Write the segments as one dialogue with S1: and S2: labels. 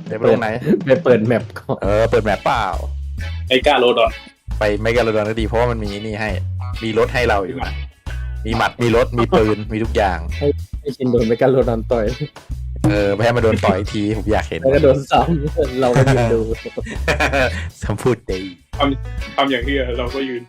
S1: เดี๋ยวไปลงไหน
S2: ไปเปิดแมปก่อน
S1: เปิดแมปเปล่า
S3: ไอ้กาโรดอน
S1: ไปไม่กันระดอนก็ดีเพราะว่ามันมีนี่ให้ มีรถให้เราอยู่นะมีหมัดมีรถมีปืนมีทุกอย่าง
S2: ให้ชินโดนไปกันโรนันต่อย
S1: ไม่ให้มาโดนต่อยทีผมอยากเห็น
S2: แล้วก็โดนซ้ำเราก็ยืนดู
S1: คำพูดดี
S3: ทำอย่างที่เราก็ยืนดู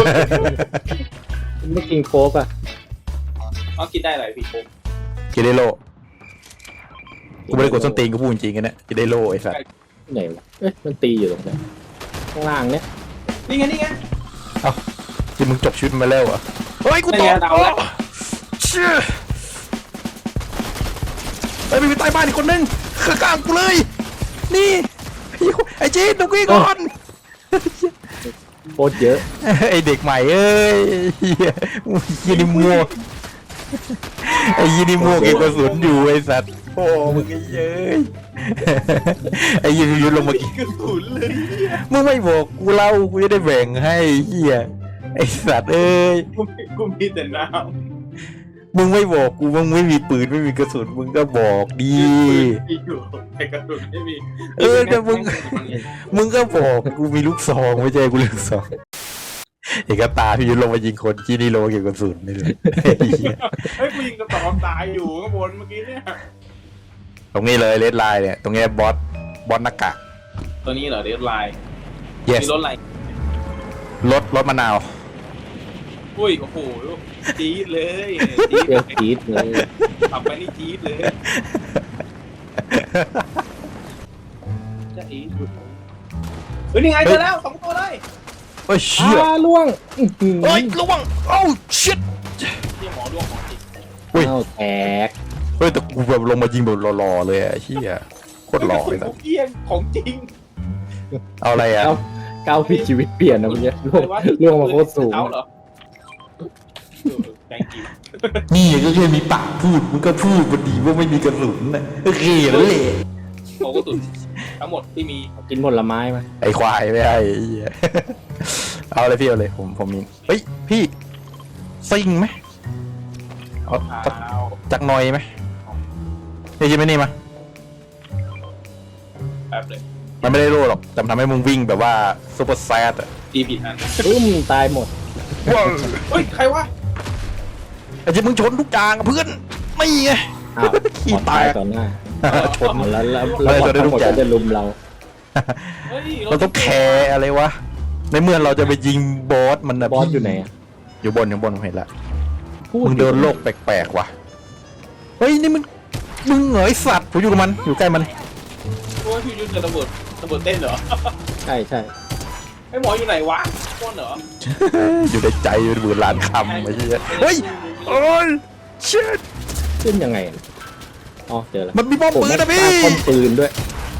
S2: ไม่กินโค้กอ่ะ
S3: เอากินได้อะไรพี่ผม
S1: กินได้โลกูไม่ได้กดส้นตีนกูพูดจริงๆกันนะกินได้โลไอ้สัส
S2: ไหนวะเอ๊ะมันตีอยู่ตรงไหนข้างล่างเนี้ย
S3: นี่ไงนี่ไง
S1: ที่มึงจบชีวิตมาแล้วเหรอเฮ้ยกูตก
S3: เอาแล้ว
S1: เชี่ยเฮ้ยมีใต้บ้านอีกคนนึงข้างๆกูเลย นี่ไอ้จีนดูกี้ก่อน
S2: โคตรเยอะ
S1: ไอเด็กใหม่เอ้ยยีนิมัวไอยีนิมัวเก็บกระสุนอยู่ไอสัตว์โอ้มึงไอ้เย้ยไอยีนิยุลงมากิน
S3: กระสุนเลย
S1: มึงไม่บอกกูเล่ากูจะได้แบ่งให้เฮียไอสัตว์เอ้ย
S3: กูมีแต่น้
S1: มึงไม่บอกกูมึงไม่มีปืนไม่มีกระสุนมึงก็บอกดี
S3: ำมีอยู่แต่กระสุนไม่มี
S1: แต่มึงก็บอกกูมีลูกซองไม่ใช่กูลูกซองเอกตาพี่ยุลงมายิงคนที่นี่โลเก็บกระสุนนี่เลย
S3: เฮ้ยกูยิงกระต่อตายอยู่ข้างบนเมื่อกี้เนี่ย
S1: ตรงนี้เลยเลดไลน์เนี่ยตรงนี้บอสหน้ากาก
S3: ตัวนี้เหรอเดดไลน์
S1: yes
S3: มีรถอะไร
S1: รถมะนาว
S3: อุ้ยโอ้โหจี๊ดเลยจี๊ด
S2: เปรี้ยวจี๊ดเลย
S3: ขับไปนี่จี๊ดเลยจะอีดเฮ้ยนี่ไงเจอแล้ว2 ตัวเลย
S1: เฮ้ยเชี่ย
S2: ล่วงอื้อหือ
S1: เฮ้ยระวังโอ้ชิต
S3: ที่หมอดวงของจริง
S1: อุ้ย
S2: อ้าวแตก
S1: เฮ้ยแต่กูแบบลงมายิงแบบหล่อๆเลยอะเชี่ยโคตรหล่อเลย
S3: ข
S1: นะ
S3: องเกี้ยงของจริง
S1: เอาอะไรอะ
S2: ก้าวผิดชีวิตเปลี่ยนนะมึงเนี่ยล่วงมาโคตรสูง
S3: เอาเหรอแกงกิน
S1: นี่ก็แค่มีปากพูดมึงก็พูดพอดีว่าไม่มีกระสุนนะโอเคแล้วแหละ
S3: โอ้ก็ตุนทั้งหมดที่มี
S2: กินผลไม้มา
S1: ไอ้ควายไม่ให้ไอ้เหี้ยเอาเลยพี่เอาเลยผมมีเฮ้ยพี่ซิงไหมเอา
S3: ข้าว
S1: จักหน่อยไหมนี่ใช่ไหมนี่มา
S3: แป๊บเลย
S1: มันไม่ได้โล่หรอกแต่มันทำให้มึงวิ่งแบบว่าซูเปอร์แซดอะ
S3: ตีผิดอัน
S2: ตายหมด
S1: ว้าว
S3: เฮ้ยใครวะ
S1: ไอ้ที่มึงชนทุกอย่างอะเพื่อนไม่ไง
S2: อ้าว
S1: ขี้
S2: ขอ
S1: แต
S2: ตาย
S1: ก
S2: ต่อหน้า
S1: ชน
S2: แล้ว
S1: ไม่ได้
S2: ทั้งหมด
S1: ทุกอย่าง
S2: ก็จะลุมเรา
S3: เฮ้ย
S1: เราต้องแคร์อะไรวะในเมื่อเราจะไปยิงบอสมันนะ
S2: บอส
S1: พี่
S2: อยู่ไหนอะ
S1: อยู่บนผมเห็นละ
S2: พูด
S1: มึงเดินโลกแปลกๆว่ะเฮ้ยนี่มึงเหงยสัตว์ผมอยู่กับมันอยู่ใกล้มัน
S3: โอ้ยพี่ยุ่งจะระเบิดเต้นเหรอ
S2: ใช่ใช่
S3: ไอ้หมออยู่ไหนวะป้นเหรอ
S1: อยู่ในใจอยู่ในมือล้านคำไอ้เหี้ยเฮ้ยโอ้ยชิต
S2: ขึ้นยังไงอะอ๋อเจอแล้ว
S1: มันมีป้อมปืนนะพี่
S2: ป้อมปืนด้วย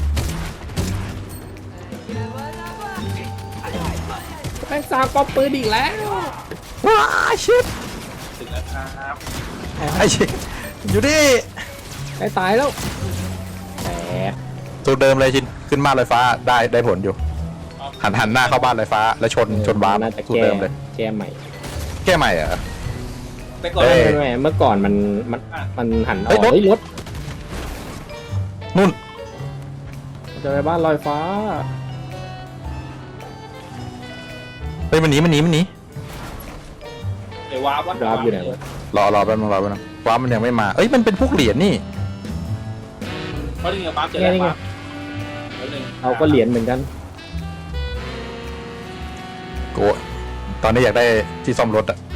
S2: แม่งสร้างป้อมปืนอีกแล้ว
S1: ว้าชิต
S3: ถึงแล้วครับ
S1: ไอ้ชิตอยู่ดิ
S2: ใกล้ตายแล้วแตก
S1: ตัวเดิมเลยชินขึ้นบ้านลอยฟ้าได้ผลอยู่หันหน้าเข้าบ้านลอยฟ้าแล้วชนวาร์ป
S2: น่าจะ
S1: ตัว
S2: แก้
S1: เดิมเลย
S2: แก้ใหม่
S1: แก้ใหม่เหรอ
S3: แต่ก่อน
S1: เอ้ย
S2: ไม่เมื่อก่อนมันหันอ
S1: เฮ้
S2: อย ก
S1: รถ
S2: เฮ้ยรถ
S1: นู่น
S2: จะไปบ้านลอยฟ้า
S1: เฮ้ยมันหนี
S3: ไอ้วาร์ปวะ
S2: ดราฟอยู่ไหนวะ
S1: รอแป๊บนึงว้าร์ปมันยังไม่มาเอ้ยมันเป็นพวกเหรียญนี่
S3: เพราะนี่ไงวาร์ปเจอแล้ววาร์ปแล้วหนึ่ง
S2: เราก็เหรียญเหมือนกัน
S1: โกตอนนี้อยากได้ที่ซ่อมรถอะ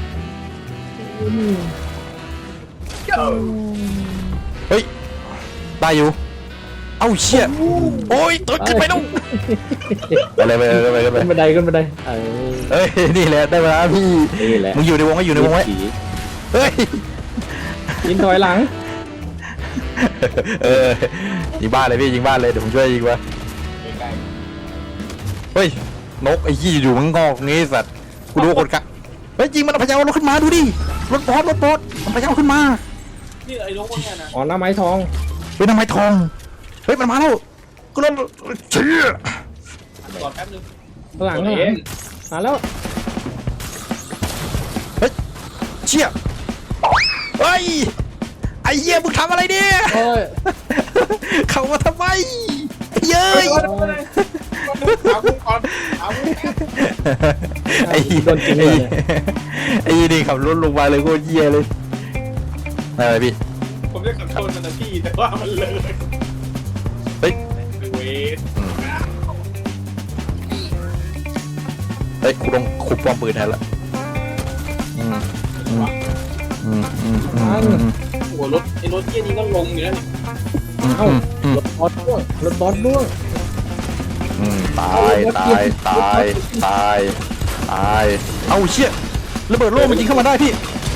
S1: เฮ้ยได้อยู่เอ้าเชี่ยโอ้ยตัวขึ้นไปต้องไปเลย
S2: ขึ้นบันได
S1: เฮ้ยนี่แหละได้เวลาพี่
S2: นี่แหละ
S1: มึงอยู่ในวงไว้อยู่ในวงไว้เฮ้ย
S2: ยิงถอยหลัง
S1: ยิงบ้านเลยพี่ยิงบ้านเลยเดี๋ยวผมช่วยยิงวะ
S3: ใกล้
S1: เฮ้ยนกไอ้ยี่อยู่มันงอกงี้สัตว์กูดูคนกะเฮ้ยยิงมันเอาพยารถขึ้นมาดูดิรถบอสมันพยาขึ้นมา
S3: ๆนี่ไอ้นกพวกเนี้ยนะ
S2: อ๋อหน้าไม้ทอง
S1: เฮ้ยทำไมทองเฮ้ยมันมาแล้วก็รถเชี่ย
S3: ก่อนแป๊บนึง
S2: ข้างหลัง
S3: ตัว
S2: ข้างห
S3: เอ
S2: ลัง
S3: ง
S2: มาแล้ว
S1: เชี่ยเฮ้ยไอ้เหี้ยมึงทำอะไรเนี่ย
S2: โอ้ย
S1: เข้ามาทำไมเย้ย
S3: เอากูก่อนเอากู
S1: ไอ้เหี้ย
S2: โดนจริงเลย
S1: ไอ้เหี้ยนี่ขับรถลงมาเลยโคตรเหี้ยเลยอะไรพี่
S3: ผมจะขับชนมันนะพี่แต่ว่ามันเลย
S1: เฮ้ย
S3: เวท
S1: เฮ้ยกูลงคุบป้อมปืนแทนละอืมอืมอืมอืมอืม
S3: หัวรถไอ้รถเที่ยนี้ก็ลงอยู่แล้วนี่
S2: เอ้ารถบอสด้วงรถบอสด้วง
S1: ตายตายตายตายตายเอาเชี่ยระเบิดโล่มันยิงเข้ามาได้พี่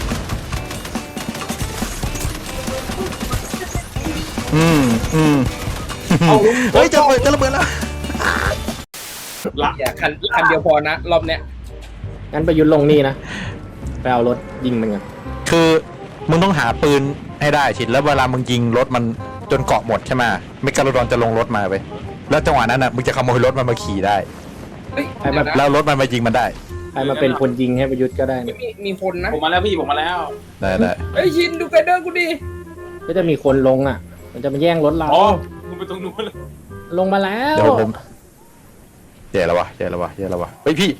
S1: อืมเฮ้ยจะระเบิดแล้ว
S3: ละ
S4: อย่าคันเดียวพอนะรอบเนี้ย
S2: งั้นไปยุดลงนี่นะไปเอารถยิงมันกัน
S1: คือมึงต้องหาปืนให้ได้ชิดแล้วเวลามึงยิงรถมันจนเกาะหมดใช่ไหมเมกาโลดอนจะลงรถมาไปแล้วจังหวะนั้นน่ะมึงจะขโมยรถมันมาขี่ได้
S4: เฮ้ย
S2: ใครมา
S4: เดี๋ยวนะ
S1: แล้วรถมันมายิงมันได้
S2: ใครมาเป็นคนยิงให้ประยุทธ์ก็ได้นะ
S4: มีคนนะ
S3: ผมมาแล้วพี่ผมมาแล้ว
S1: ได้
S4: เฮ้ยชินดูไกเดอร์กูดิ
S2: ก็จะมีคนลงอ่ะ มันจะมาแย่งรถเรา
S3: อ๋อมึงไปตรงนู้นเลย
S2: ลงมาแล้ว
S1: เดี๋ยวผมแย่แล้ววะเฮ้ยพี่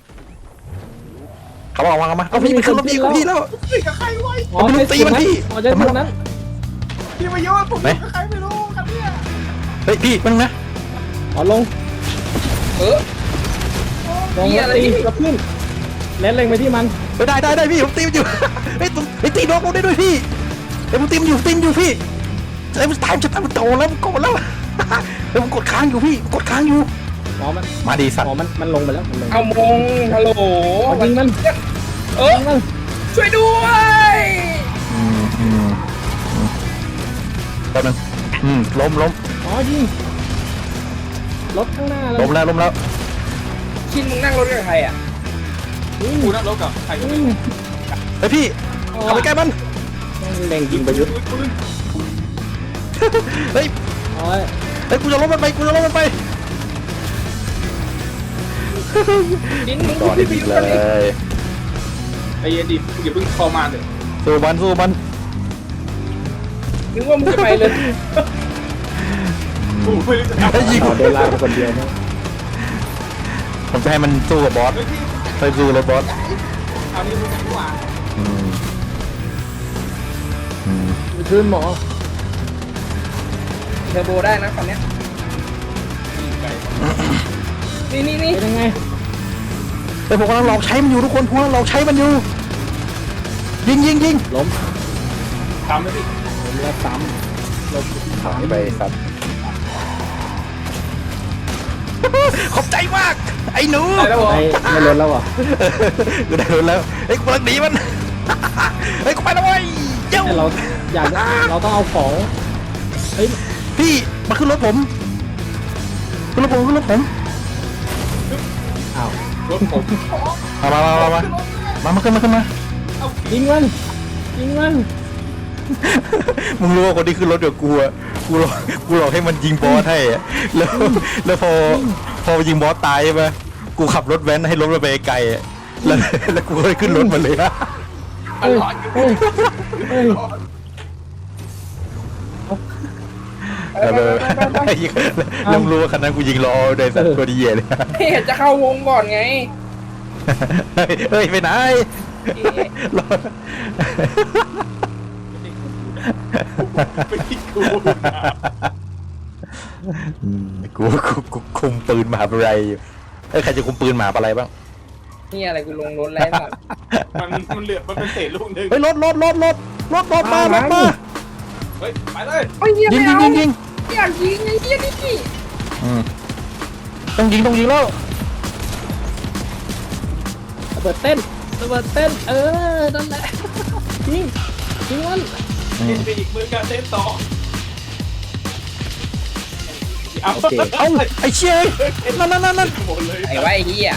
S1: เขาบอกว่ามาเอาพี่ไปขึ้นรถพี่กับพี่แล้ว
S3: พี่กับใครไว้
S2: อ๋อไม่ตีมันที่อ๋อจะตรงนั้น
S3: พี่มาเยอะผมกับใครไม่รู้ครับเนี่ย
S1: เฮ้ยพี่มึงนะ
S2: อ๋อลง
S4: เออ
S2: ลงแล้วตีกระพื้นเล่นเล็งไปที่มัน
S1: ได้พี่ผมตีมันอยู่เฮ้ยตีน้องผมได้ด้วยพี่เดี๋ยวผมตีมันอยู่พี่เฮ้ยมันตายมันโตแล้วมันโกรธแล้วเดี๋ยวผมกดค้างอยู่พี่กดค้างอยู่
S2: อ๋อมัน
S1: มาดีสัตว์
S2: อ๋อมันลงไปแล้วมันลง
S4: เอามงฮัลโหล
S2: อ๋อยิงมัน
S4: เออ
S2: ยิงมัน
S4: ช่วยด้วย
S1: แป๊บนึงล้ม
S2: อ๋อยิงรถข้างหน้าเลย
S1: ล้มแล้ว
S4: ชินมึงนั่งรถกับใครอ่ะ
S2: ยิง
S3: กูนั่งรถกับใครก็ไม่
S2: ยิง
S3: รู้
S1: เฮ้ยพี่เอาไปใกล้มัน
S2: เล็งยิงประยุทธ์
S3: ปืน
S1: เฮ้ย
S2: อ๋อ
S1: กูจะล้มมันไป
S4: ชินมึง
S1: ก่อน
S4: พี่
S1: ดี
S4: พิว
S1: เล
S4: กันดิ
S1: ย
S3: ไอ้เย็นดิอย่าเพิ่งเข้ามาเถอะ
S1: สู้มัน
S4: นึกว่ามึงจะไปเลย
S3: กูไม่รู้จะทำ
S1: ไอ้ยิง
S2: อ๋อเดินลากไปคนเดียวนะ
S1: ผมจะให้มันสู้กับบอส
S3: เฮ้ยพี่
S1: ไปสู้เลยบอส
S3: เอานี่มึงดีกว่า
S2: ไปชื่นหมอ
S4: เทอร์โบได้นะคันเนี้ยนี่
S2: เป็นยังไง
S1: แต่ผมกำลังหลอกใช้มันอยู่ทุกคนผมกำลังหลอกใช้มันอยู่ยิง
S2: ล้ม
S3: ทำไหมพี่
S2: ล้มแล้วซ้ำล้ม
S1: หายไปสัตว์ขอบใจมากไอ้หนู
S3: ได้แล้วเหรอ
S2: ไม่ล้นแล้วเหรอ
S1: กูได้รถแล้วเฮ้ยกูกำลังหนีมันเฮ้ยกูไปแล้วเว้ยเย้า
S2: แต่เราอยากเราต้องเอาของเฮ้ย
S1: พี่มาขึ้นรถผมขึ้นรถผม
S3: อ้าวรถผม
S1: มาขึ้นมา
S2: ยิงมัน
S1: มึงรู้ว่าคนที่ขึ้นรถกับกูอะกูหลอกให้มันยิงบอสให้อะแล้วพอยิงบอสตายใช่ไหมกูขับรถแว้นให้รถมันไปไกลอะแล้วกูก็เลยขึ้นรถมันเลยอะ
S2: เฮ้ยเฮ้ย
S1: แล้วมึงรู้ว่าคันนั้นกูยิงล้อโดยสัตว์ตัวดีเลย
S4: เฮ้ยจะเข้าวงก่อนไง
S1: เฮ้ยไปไหนรอ
S3: ไปที่กู
S1: กูคุมปืนมหาวิทยาลัยอยู่ใครจะคุมปืนมหาอะไรบ้าง
S4: นี่อะไรกูลงรถแล้วน่ะ
S3: มันเหลือมันเป็นเศษลูกหนึ่ง
S1: เฮ้ยรถมา
S3: เฮ้ยไปเลย
S4: โอ้ยเหี้ย
S1: ยิ
S4: ไม่
S1: ง
S4: เอา
S1: ยิง
S4: อยากยิงไอ้เหี้ยนี่
S1: ต้องยิงแล้ว
S2: ระเบิดเต้นนั่นแหละยิงมัน
S3: กินไปอีกมือการเต้นต่อเอา
S2: โอเค
S1: เอ้าไอ้เชี่ยนั่น
S3: หมดเลย
S4: ไอ้ไว้ไอ้เหี้ย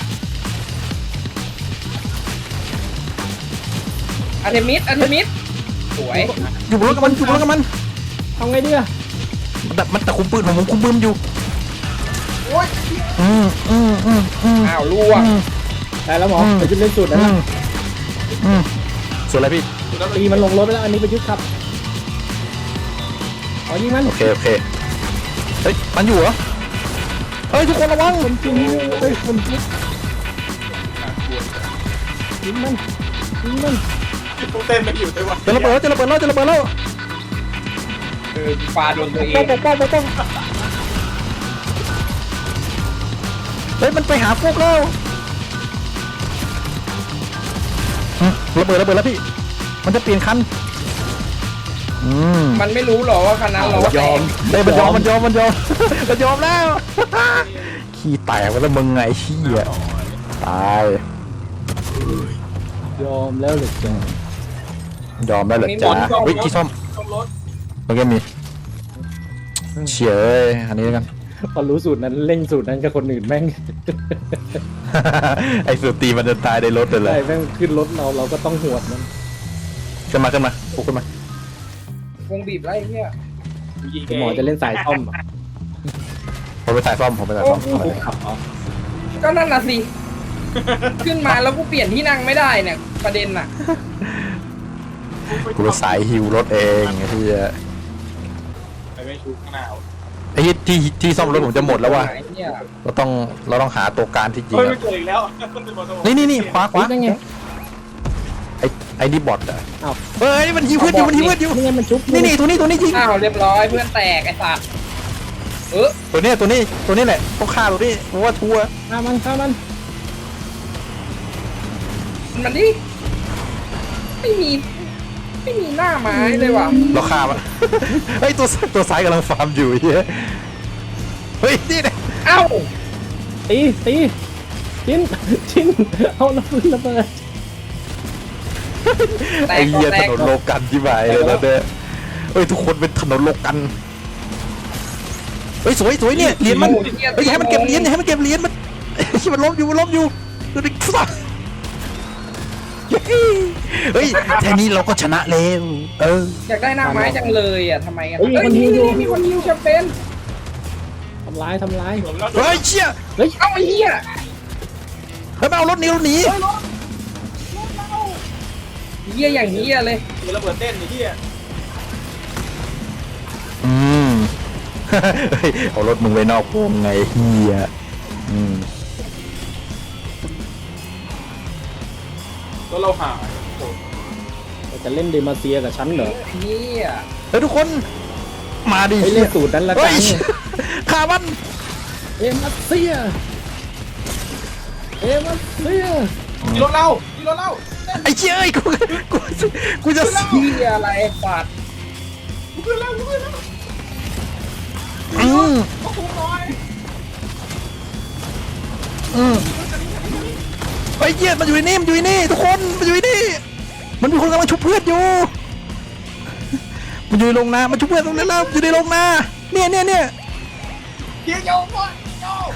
S4: อันเทมิสสวย
S1: อยู่บนรถกับมัน
S2: ทำไงดีอะ
S1: มันแต่คุมปืนผมคุมปืนอยู่
S3: โอ๊ย
S4: อ้าวล่วง
S2: ได้แล้วหมอไปจุดเล่นสุดนะ
S1: ส่วนอะไรพี่
S2: ตีมันลงรถไปแล้วอันนี้ไปยึดครับอ๋อยิงมัน
S1: โอเคเฮ้ยมันอยู่เหรอเฮ้ยทุกคนระวัง
S2: คนจริงเฮ้ยคนจริงยิงมันยิงมัน
S3: กูเต้นไม่อยู่ด้วยวะ
S1: จะระเบิดแล้วจะระเบิดแล้วจะระเบิดแล้ว
S4: ปลาโดนตัวเอ
S2: ป้อง
S4: ง
S2: ป้องป้องป้อง
S1: เฮ้ยมันไปหาพวกเราระเบิดแล้วพี่มันจะเปลี่ยนคัน
S4: มันไม่รู้หรอว่าคันนั้นเรา
S1: ยอมได้มันยอมมันยอมมันยอมมันยอมแล้วขี้แตกไปแล้วมึงไงขี้อ่ะตาย
S2: ยอมแล้วเหรือจ้าย
S1: อมแล้วเหรอจ๊ะวิขี้ส้ม
S3: ต้องรถ
S1: มันก็มีเฉียอันนี้กัน
S2: พอรู้สูตรนั้นเล่งสูตรนั้นกับคนอื่นแม่ง
S1: ไอ้สุดตีมันจะตายในรถเลย
S2: ได้แม่งขึ้นรถเราก็ต้องหวดมัน
S1: ขึ้นมาขึ้นมาปุ๊กขึ้นมา
S4: วงบีบไรเนี่ย
S2: หมอจะเล่นสายซ่อมอ่ะ
S1: ผมไปสายซ่อมผมไปสายซ่อม
S2: ขับเหรอ
S4: ก็นั่นน่ะสิ ขึ้นมาแล้วกูเปลี่ยนที่นั่งไม่ได้เนี่ย ประเด็นน่ะ
S1: กูไปสายฮิวรถเองไอ้ที่
S3: ไปไม่ชูข้างหน้า
S1: ไอ้ที่ซ่อมรถผมจะหมดแล้วว่ะ
S4: ไอ้เนี่ย
S1: เราต้องหาตัวการที่จริง
S3: เฮ้ย
S1: อะ
S3: ไม่เจออีกแล้ว
S1: นี่ขวา
S2: อุ๊ยนั่นไง
S1: ไอ้นี่บอทอ่ะ
S2: อ้าว
S1: เฮ้ยมันฮิวเพื่อนอยู่มันฮิวเพื่อนอยู่
S2: นี่ไงมันชุบ
S1: นี่ตัวนี้จริง
S4: อ้าวเรียบร้อยเพื่อนแตกไอ้สัตว์
S1: ตัวนี้แหละต้องฆ่าตัวนี้เพราะว่าทัวร์
S2: ฆ่ามัน
S4: มันดิไม่มีหน้าไม้เลยว่ะ
S1: เราฆ่ามัน เฮ้ยตัวซ้ายกำลังฟาร์มอยู่เฮ้ยนี่เนี่ย
S4: เอ้า
S2: ตีชิ้นเอาระเบิดระเบิด
S4: แต
S1: ไอ้
S4: ก
S1: เหี้ย
S4: แต
S1: ถ
S4: ก
S1: นนโลกันที่หมายเลยแล้วเนี่ยเฮ้ยทุกคนเป็นถนนโลกันเฮ้ยสวยเนี่ยเหรียญมันเฮ้ยอย่าให้มันเก็บเหรียญมันที่มันล้มอยู่ดูดิสัสเฮ้ยแค่นี้เราก็ชนะแล้ว
S4: อยากได้หน้าไม้จังเลยอ่ะทำไมกัน
S2: เฮ้ยมีคนยิงอยู่
S4: มีคนยิงแชมเปญ
S2: ทำร้าย
S1: เฮ้ยเชี่ย
S4: เอ้าไอ้เหี้ย
S1: เฮ้ยมาเอารถนี้หนี
S4: เหี้ยอย่างเหี้ยเลย
S3: มีระเบิดเต้นไอ้ที่
S1: เฮ้ยเอารถมึงไว้นอกวงไงเฮีย
S3: แล้วเราหาย
S2: จะเล่นเดมาเซียกับฉันเหรอ
S4: เหี้ย
S1: เฮ้ยทุกคนมาดิ
S2: ไปเล่นสูตรนั้นละ
S1: เฮ้
S2: กั
S1: ย
S2: น
S1: ฆ่ามัน
S2: เดมาเซีย
S3: ที่รถเรา
S1: ไอ้เชี่ยเอ้ยกูจะ
S4: เหี้ยอะไรปัด
S3: กูขึ้นแล้ว
S1: อืม
S3: ก็คุ้มน้อย
S1: ไอ้เหี้ยมันอยู่ในนี่ทุกคนมันอยู่ในนี่มันมีคนกำลังชุบเพื่อนอยู่มันอยู่ในโรงนามันชุบเพื่อนตรงนั้นแล้วอยู่ในโรงนาเนี่ย
S3: เกียร์โยกก่อนโยก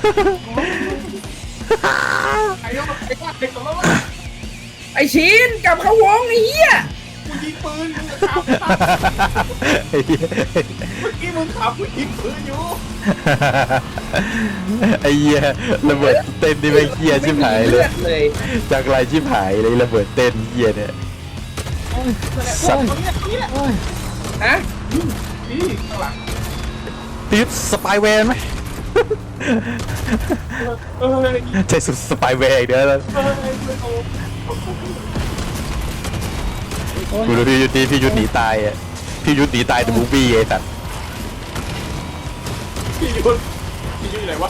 S3: ไอ้โยกไอ้เด็กของเรา
S4: ไอ้ชิ้นกลับเข้าวงไอ้เหี้ย
S3: กูยิงปืนมึงขับเมื่อกี้มึงขับกูยิงปืนอยู่
S1: ไอ้เหี้ยระเบิดเต้นนี่ไม่เหี้ยชิบหายเลย
S4: เลย
S1: จากไรชิบหายเลยระเบิดเต้นเหี้ยเนี่ยสัตว์
S4: ฮะ
S3: นี่ข้างหลัง
S1: พี่ยุทธสปายแวร์ไหม
S3: เอ้ย
S1: ใช่สุดสปายแวร์อีกเด้อกูดูพี่ยุทธพี่ยุทธหนีตายอ่ะพี่ยุทธหนีตายในมูฟวี่ไอ้สัตว์
S3: พี่ยุทธอยู่ไหนวะ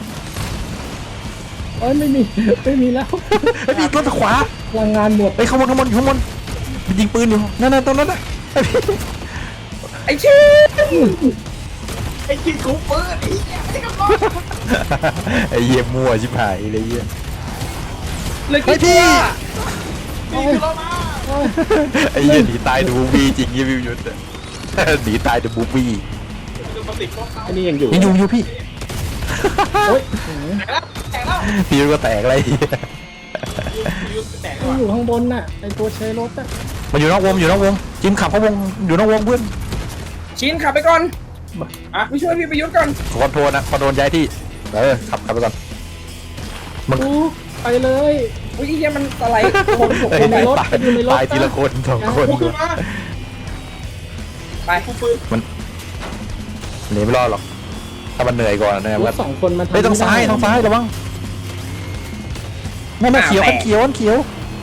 S2: โอ้ยไม่มีแล้ว
S1: ไอ้พี่รถขวา
S2: พลังงานหมด
S1: ไอ้ข้างบนมันยิงปืนอยู่นั่นตรงนั้นนะไอ้พี่
S4: ไอ้ชิ้น
S3: ไอ้ยิงกูปืนไอ้กระบอก
S1: ไอ้เหี้ยมั่วชิบหายเลยเหี้ย
S4: เลย
S1: ไอ้
S4: คิด
S1: พี่
S4: ว่า
S3: นี่คือเรามา
S1: ไอ้เหี้ยหนีตายในมูฟวี่จริงเหี้ยพี่ยุทธหนีตายในมูฟวี่
S3: จะมาติดกล้องเขา
S2: อันนี้ยังอยู่
S1: ยังอยู่พี่
S2: โอ้ย
S3: แตกแล้ว
S1: พี่ยุทธก็แตกอะไรเหี้ย
S3: พี่ยุทธแตก
S2: มัน
S3: แล้ว
S2: อยู่ข้างบนน่ะไอตัวใช้รถอ่ะ
S1: มันอยู่นอกวงจิมขับเข้าวงอยู่นอกวงเพื่อน
S4: ชิ้นขับไปก่อนไปช่วยพี่ประยุทธ์ก่อน
S1: คอนโทรลย้ายที่ขับไปก่อน
S2: กูไปเลย
S4: อุ้ยไอ้เหี้ยมันอะไรคนตก
S1: เฮ้ย
S2: ในรถ
S1: ตายทีละคนสองคน
S3: กูขึ้นมา
S4: ไป
S3: กูปืน
S1: หนีไม่รอดหรอกถ้ามันเหนื่อยก่อนนะ
S2: ร
S1: ครั
S2: ถ
S1: บ
S2: สองคนมัน
S1: เฮ้ยทางซ้ายทางซ้ายระวังนั่นเขียวอันเขียวอันเขียว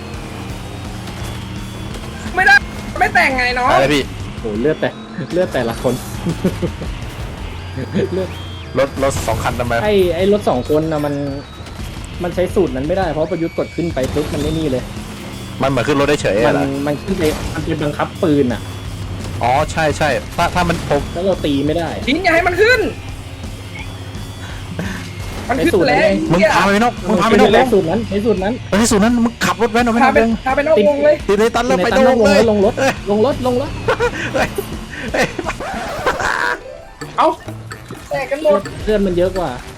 S4: ไม่ได้ไม่แต่งไงเนาะ
S1: อะไรพี่
S2: โอ้เลือดแต่ละคน เลือด
S1: รถ2 คันทำไม
S2: ไอ้รถสองคนนะมันใช้สูตรนั้นไม่ได้เพราะประยุทธ์กดขึ้นไปปุ๊บมันไม่นี่เลย
S1: มันเหมือนขึ้นรถได้เฉย
S2: มั
S1: อะ
S2: น
S1: เหรอ
S2: มันขึ้นไปมันเป็นบังคับปืนอ่ะ
S1: อ๋อใช่ใช่ถ้ามันผม
S2: แล้วเราตีไม่ได้
S4: ชิ้นอย่าให้มันขึ้น มันขึ้นแล้ว
S1: มึงพาไปนกมึงพาไปนก
S2: ใช้
S1: วง
S2: สูตรนั้นใช้สูตรนั้น
S1: ไปที่สูนนั้นมึงขับรถแว้นออกไปน
S4: พา
S1: อก
S4: ไป
S1: วง
S4: พาไปนอกวงเลย
S1: ตีเลยตันแล้วไป
S2: ใน
S1: ตรง
S2: ตั้ง
S1: เลย
S2: ลงรถลงรถลงรถ
S1: เฮ้ย
S4: เอาแตกกันหมด
S2: เลือดมันเยอะกว่า